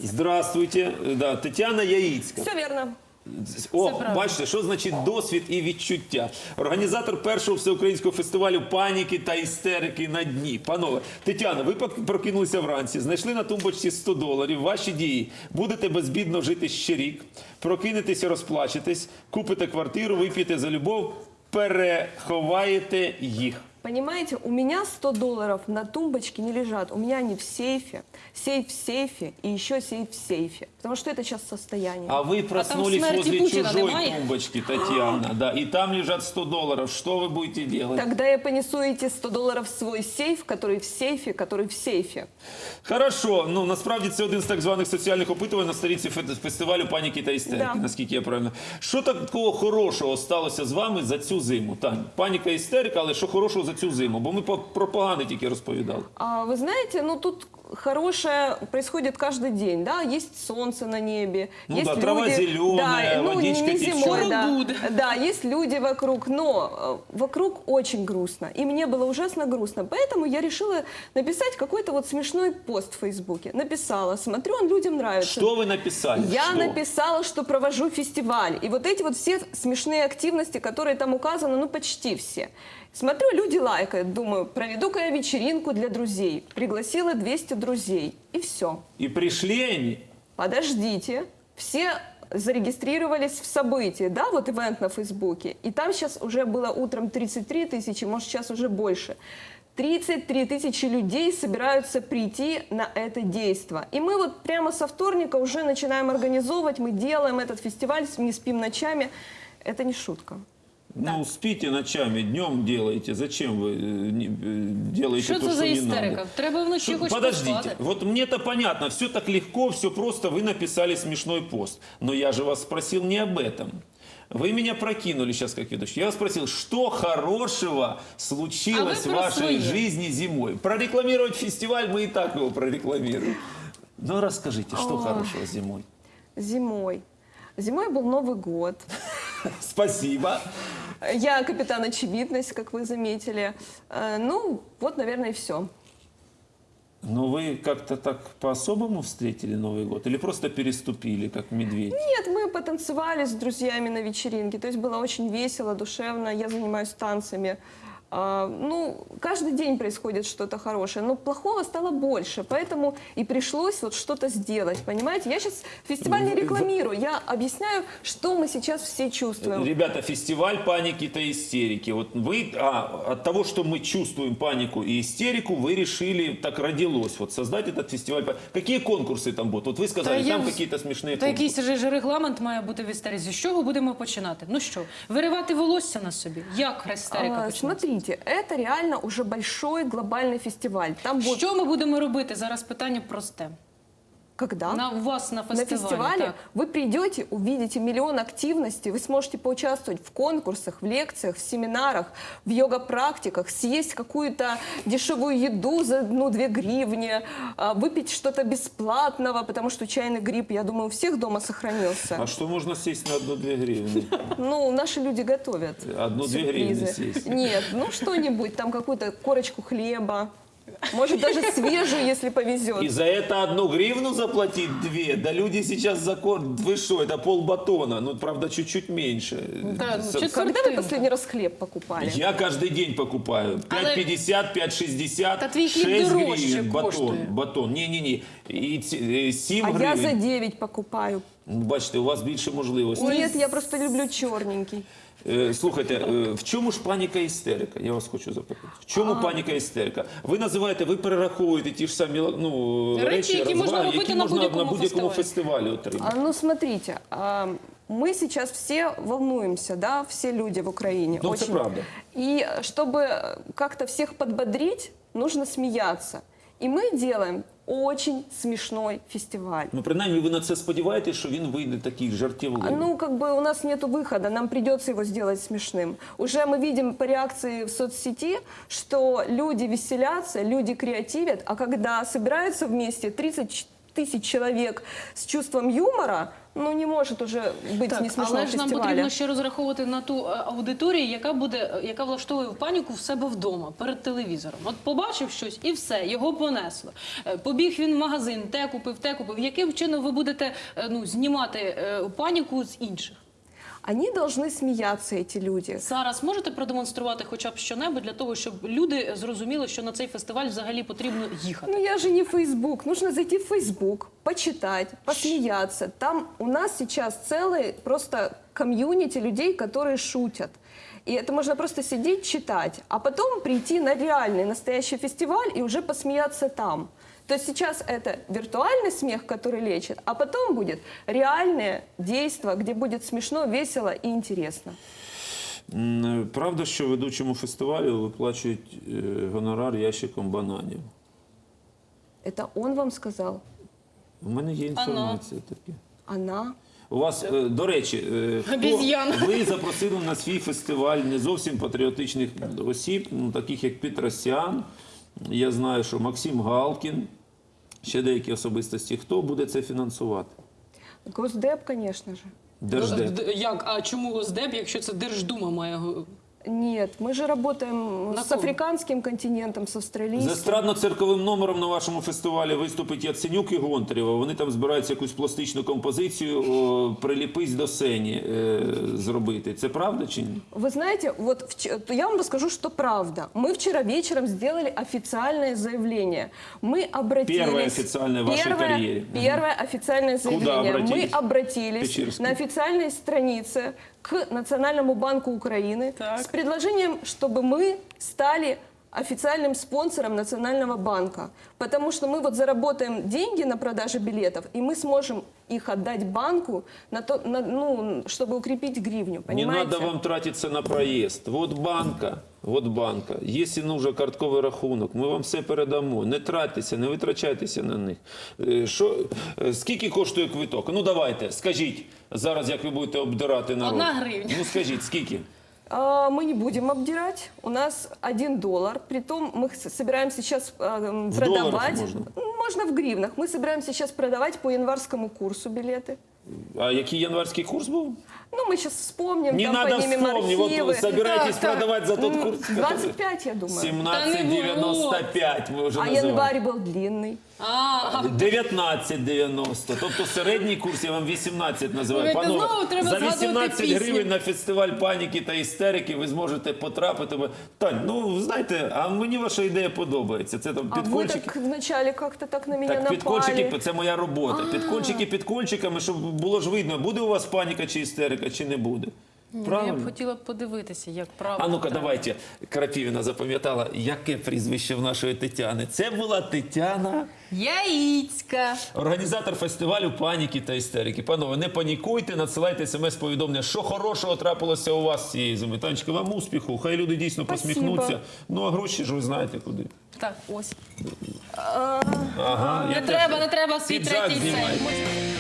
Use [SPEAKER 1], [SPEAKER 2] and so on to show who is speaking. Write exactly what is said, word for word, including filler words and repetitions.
[SPEAKER 1] Здравствуйте, да, Тетяна Яїцька.
[SPEAKER 2] Все верно.
[SPEAKER 1] О, бачите, що значить досвід і відчуття. Організатор першого всеукраїнського фестивалю паніки та істерики на дні. Панове, Тетяна, ви прокинулися вранці, знайшли на тумбочці сто доларів, ваші дії. Будете безбідно жити ще рік, прокинетеся, розплачетесь, купите квартиру, вип'єте за любов, переховаєте їх.
[SPEAKER 2] Понимаете, у меня сто долларов на тумбочке не лежат. У меня они в сейфе. Сейф в сейфе и еще сейф в сейфе. Потому что это сейчас состояние.
[SPEAKER 1] А вы проснулись
[SPEAKER 3] смерти
[SPEAKER 1] возле
[SPEAKER 3] Путина
[SPEAKER 1] чужой
[SPEAKER 3] немає?
[SPEAKER 1] тумбочки, Татьяна, да, и там лежат сто долларов. Что вы будете делать?
[SPEAKER 2] Тогда я понесу эти сто долларов в свой сейф, который в сейфе, который в сейфе.
[SPEAKER 1] Хорошо, ну насправді це один з так званих соціальних опитувань на сторінці фе- фестивалю паніки та істерики,
[SPEAKER 2] Да.
[SPEAKER 1] наскільки я правильно. Що такого хорошого сталося з вами за цю зиму? Тань, паніка і істерика, але що хорошого за цю зиму? Бо ми по- про погане тільки розповідали.
[SPEAKER 2] А вы знаете, ну тут хорошее происходит каждый день, да, есть солнце на небе,
[SPEAKER 1] Ну
[SPEAKER 2] есть
[SPEAKER 1] да,
[SPEAKER 2] люди,
[SPEAKER 1] трава зеленая,
[SPEAKER 2] да, ну,
[SPEAKER 1] водичка
[SPEAKER 2] не
[SPEAKER 1] течет.
[SPEAKER 2] зимой, да,
[SPEAKER 3] Шуру-гуд.
[SPEAKER 2] да, есть люди вокруг, но э, вокруг очень грустно, и мне было ужасно грустно, поэтому я решила написать какой-то вот смешной пост в Фейсбуке, написала, смотрю, он людям нравится.
[SPEAKER 1] Что вы написали?
[SPEAKER 2] Я
[SPEAKER 1] Что?
[SPEAKER 2] написала, что провожу фестиваль. И вот эти вот все смешные активности, которые там указаны, ну почти все. Смотрю, люди лайкают. Думаю, проведу-ка я вечеринку для друзей. Пригласила двести друзей. И все.
[SPEAKER 1] И пришли они?
[SPEAKER 2] Подождите. Все зарегистрировались в событии, да, вот ивент на Фейсбуке. И там сейчас уже было утром тридцать три тысячи, может сейчас уже больше. тридцать три тысячи людей собираются прийти на это действо. И мы вот прямо со вторника уже начинаем организовывать, мы делаем этот фестиваль, не спим ночами. Это не шутка.
[SPEAKER 1] Ну, спите ночами, днем делаете. Зачем вы э, не- э, делаете
[SPEAKER 3] Що
[SPEAKER 1] то,
[SPEAKER 3] це
[SPEAKER 1] что
[SPEAKER 3] за
[SPEAKER 1] не
[SPEAKER 3] істерика?
[SPEAKER 1] надо?
[SPEAKER 3] Треба вночі
[SPEAKER 1] Что-
[SPEAKER 3] хоч
[SPEAKER 1] Подождите,
[SPEAKER 3] поспати.
[SPEAKER 1] вот мне-то понятно, все так легко, все просто, вы написали смешной пост. Но я же вас спросил не об этом. Вы меня прокинули сейчас как ведущий. Я вас спросил, что хорошего случилось
[SPEAKER 3] А
[SPEAKER 1] в
[SPEAKER 3] вы про
[SPEAKER 1] вашей
[SPEAKER 3] свои.
[SPEAKER 1] жизни зимой? Прорекламировать фестиваль мы и так его прорекламируем. Ну расскажите, что
[SPEAKER 2] Ой.
[SPEAKER 1] хорошего зимой?
[SPEAKER 2] Зимой. Зимой был Новый год.
[SPEAKER 1] Спасибо.
[SPEAKER 2] Я капитан очевидность, как вы заметили. Э, Ну, вот, наверное, и все.
[SPEAKER 1] Но вы как-то так по-особому встретили Новый год? Или просто переступили, как медведь?
[SPEAKER 2] Нет, мы потанцевали с друзьями на вечеринке. То есть было очень весело, душевно. Я занимаюсь танцами. А, ну, каждый день происходит что-то хорошее, но плохого стало больше, поэтому и пришлось вот что-то сделать, понимаете? Я сейчас фестиваль не рекламирую, я объясняю, что мы сейчас все чувствуем.
[SPEAKER 1] Ребята, фестиваль паники и истерики. Вот вы, а, от того, что мы чувствуем панику и истерику, вы решили, так родилось, вот создать этот фестиваль. Какие конкурсы там будут? Вот вы сказали,
[SPEAKER 3] Та я
[SPEAKER 1] там
[SPEAKER 3] в-
[SPEAKER 1] какие-то смешные
[SPEAKER 3] Та
[SPEAKER 1] конкурсы.
[SPEAKER 3] якийсь же ж регламент має бути в істеризі. З чого будемо починати? Ну що, виривати волосся на собі? Як істерика
[SPEAKER 2] А,
[SPEAKER 3] почнеться?
[SPEAKER 2] смотрите, это реально уже большой глобальный фестиваль. Там будет...
[SPEAKER 3] Що ми будемо робити? Зараз питання просте.
[SPEAKER 2] Когда?
[SPEAKER 3] На у вас на
[SPEAKER 2] На
[SPEAKER 3] фестивалі.
[SPEAKER 2] фестивале
[SPEAKER 3] так.
[SPEAKER 2] вы придете, увидите миллион активностей, вы сможете поучаствовать в конкурсах, в лекциях, в семинарах, в йога-практиках, съесть какую-то дешевую еду за одну-две гривни, а, выпить что-то бесплатного, потому что чайный гриб, я думаю, у всех дома сохранился.
[SPEAKER 1] А что можно сесть на одну-две гривны?
[SPEAKER 2] Ну, наши люди готовят
[SPEAKER 1] Одну-две
[SPEAKER 2] сюрпризы.
[SPEAKER 1] гривны съесть.
[SPEAKER 2] Нет, ну что-нибудь, там какую-то корочку хлеба, может даже свежую, если повезет.
[SPEAKER 1] И за это одну гривну заплатить две? Да люди сейчас закон... Вы что, это полбатона. Ну, правда, чуть-чуть меньше.
[SPEAKER 3] Да, ну,
[SPEAKER 1] С-
[SPEAKER 3] чуть-
[SPEAKER 2] Когда вы
[SPEAKER 3] Картинка.
[SPEAKER 2] последний раз хлеб покупали?
[SPEAKER 1] Я каждый день покупаю.
[SPEAKER 3] Але-
[SPEAKER 1] пять пятьдесят, пять шестьдесят,
[SPEAKER 3] Та твій хліб
[SPEAKER 1] шесть
[SPEAKER 3] дорожче
[SPEAKER 1] гривен батон.
[SPEAKER 3] коштує.
[SPEAKER 1] Батон. Не-не-не. И ці- е, сім
[SPEAKER 2] А я
[SPEAKER 1] гривень.
[SPEAKER 2] за девять покупаю.
[SPEAKER 1] Ну, бачите, у вас більше можливостей.
[SPEAKER 2] Нет, я просто люблю черненький.
[SPEAKER 1] Е, Слухайте, е, в чому ж паніка і істерика? Я вас хочу запитати. В чому паніка і істерика? Ви називаєте, ви перераховуєте ті ж самі ну,
[SPEAKER 3] Речі,
[SPEAKER 1] речі,
[SPEAKER 3] які можна
[SPEAKER 1] розваги,
[SPEAKER 3] робити
[SPEAKER 1] які
[SPEAKER 3] на
[SPEAKER 1] можна
[SPEAKER 3] будь-якому
[SPEAKER 1] на будь-якому
[SPEAKER 3] фестивалі.
[SPEAKER 1] фестивалі отримати.
[SPEAKER 2] А, ну, смотрите, а, мы сейчас все волнуемся, да, все люди в Украине.
[SPEAKER 1] Ну, это правда.
[SPEAKER 2] И чтобы как-то всех подбодрить, нужно смеяться. И мы делаем очень смешной фестиваль.
[SPEAKER 1] Ну, принаймні, ви на це сподіваєтесь, що він вийде такий
[SPEAKER 2] А,
[SPEAKER 1] жартівливий.
[SPEAKER 2] Ну, как бы у нас нет выхода, нам придется его сделать смешным. Уже мы видим по реакции в соцсети, что люди веселятся, люди креативят, а когда собираются вместе тридцать тысяч человек с чувством юмора, ну, не может уже быть
[SPEAKER 3] Так,
[SPEAKER 2] не смешного
[SPEAKER 3] але ж нам
[SPEAKER 2] фестиваля.
[SPEAKER 3] потрібно ще розраховувати на ту е, аудиторію, яка буде, е, яка влаштовує в паніку в себе вдома перед телевізором. От побачив щось і все, його понесло. Е, Побіг він в магазин, те купив, те купив. Яким чином ви будете е, ну, знімати е, паніку з інших?
[SPEAKER 2] Они должны смеяться, эти люди.
[SPEAKER 3] Зараз можете продемонструвати хоча б щонебудь для того, щоб люди зрозуміли, що на цей фестиваль взагалі потрібно їхати?
[SPEAKER 2] Ну, я же не Facebook. Нужно зайти в Facebook, почитать, посмеяться. Там у нас сейчас целый просто комьюнити людей, которые шутят. И это можно просто сидеть, читать, а потом прийти на реальный, настоящий фестиваль и уже посмеяться там. То есть сейчас это виртуальный смех, который лечит, а потом будет реальное действо, где будет смешно, весело и интересно.
[SPEAKER 1] М, Правда, що ведучому фестивалю виплачують е, гонорар ящиком бананів?
[SPEAKER 2] Это он вам сказал?
[SPEAKER 1] У мене є інформація така.
[SPEAKER 2] Она?
[SPEAKER 1] У вас, е, до речі, е, хто-
[SPEAKER 3] Обіз'яна.
[SPEAKER 1] ви запросили на свій фестиваль не зовсім патріотичних осіб, ну, таких як Петросян, я знаю, що Максим Галкін, ще деякі особистості. Хто буде це фінансувати?
[SPEAKER 2] Госдеп, конечно же.
[SPEAKER 1] Держдеп.
[SPEAKER 3] Д- Як? А чому Госдеп, якщо це Держдума має? го-
[SPEAKER 2] Нет, мы же работаем
[SPEAKER 3] На
[SPEAKER 2] с
[SPEAKER 3] ком?
[SPEAKER 2] африканским континентом, с
[SPEAKER 1] З
[SPEAKER 2] австралийским.
[SPEAKER 1] естрадно-цирковим номером на вашому фестивалі виступить Яценюк і Гонтарєва. Вони там збираються якусь пластичну композицію о, «Приліпись до сені» е, зробити. Це правда чи ні?
[SPEAKER 2] Вы знаете, вот вч- я вам расскажу, что правда. Мы вчера вечером сделали официальное заявление. Мы обратились...
[SPEAKER 1] Первое официальное в вашей
[SPEAKER 2] Первое-
[SPEAKER 1] карьере.
[SPEAKER 2] Первое официальное заявление.
[SPEAKER 1] обратились?
[SPEAKER 2] Мы обратились
[SPEAKER 1] Печерский.
[SPEAKER 2] на официальной странице к Национальному банку Украины
[SPEAKER 3] Так.
[SPEAKER 2] с предложением, чтобы мы стали официальным спонсором Национального банка. Потому что мы вот заработаем деньги на продаже билетов, и мы сможем их отдать банку, на то, на, ну, чтобы укрепить гривню.
[SPEAKER 1] Не
[SPEAKER 2] Понимаете?
[SPEAKER 1] надо вам тратиться на проїзд. Вот банка, вот банка. Якщо нужен картковий рахунок, ми вам все передамо. Не тратьтеся, не витрачайтеся на них. Е, Що, е, скільки коштує квиток? Ну давайте, скажіть зараз, як ви будете обдирати народ.
[SPEAKER 3] Одна гривня.
[SPEAKER 1] Ну скажіть, скільки?
[SPEAKER 2] А, Мы не будем обдирать. У нас один доллар. Притом мы с- собираем сейчас а, м,
[SPEAKER 1] В
[SPEAKER 2] продавать.
[SPEAKER 1] долларах можно?
[SPEAKER 2] Можно в гривнах. Мы собираем сейчас продавать по январскому курсу билеты.
[SPEAKER 1] А який январський курс був?
[SPEAKER 2] Ну, мы сейчас вспомним,
[SPEAKER 1] Не
[SPEAKER 2] там
[SPEAKER 1] надо
[SPEAKER 2] поднимем
[SPEAKER 1] вспомнить, вот
[SPEAKER 2] архивы.
[SPEAKER 1] вы собираетесь
[SPEAKER 2] Так, так.
[SPEAKER 1] продавать за тот
[SPEAKER 2] М,
[SPEAKER 1] курс, который-
[SPEAKER 2] двадцать пять, я думаю.
[SPEAKER 1] сімнадцять дев'яносто п'ять ми вже
[SPEAKER 2] А
[SPEAKER 1] називаємо.
[SPEAKER 2] январь был длинный.
[SPEAKER 3] А,
[SPEAKER 1] дев'ятнадцять дев'яносто. Тобто середній курс я вам вісімнадцять називаю.
[SPEAKER 3] Слухайте, знову треба
[SPEAKER 1] за
[SPEAKER 3] згадувати
[SPEAKER 1] вісімнадцять
[SPEAKER 3] пісню.
[SPEAKER 1] гривень на фестиваль паніки та істерики ви зможете потрапити. Тань, ну знаєте, а мені ваша ідея подобається. Це там
[SPEAKER 2] А вы
[SPEAKER 1] підкольчики.
[SPEAKER 2] так вначале как-то так на меня
[SPEAKER 1] Так,
[SPEAKER 2] напали.
[SPEAKER 1] підкольчики, це моя робота. Підкольчики підкольчиками, щоб було ж видно, буде у вас паніка чи істерика, чи не буде.
[SPEAKER 3] я б
[SPEAKER 1] Правильно?
[SPEAKER 3] хотіла б подивитися, як правильно.
[SPEAKER 1] А ну-ка,
[SPEAKER 3] треба.
[SPEAKER 1] давайте. Крапівіна запам'ятала, яке прізвище в нашої Тетяни. Це була Тетяна,
[SPEAKER 3] Яїцька.
[SPEAKER 1] організатор фестивалю паніки та істерики. Панове, не панікуйте, надсилайте смс-повідомлення, що хорошого трапилося у вас цієї зими. Танечка, вам успіху, хай люди дійсно
[SPEAKER 2] Спасибо.
[SPEAKER 1] посміхнуться. Ну, а гроші ж ви знаєте куди.
[SPEAKER 3] Так, ось.
[SPEAKER 1] Ага, я
[SPEAKER 3] Не
[SPEAKER 1] теж-
[SPEAKER 3] треба, не треба свій
[SPEAKER 1] Піджак
[SPEAKER 3] третій
[SPEAKER 1] знімайте.
[SPEAKER 3] цей.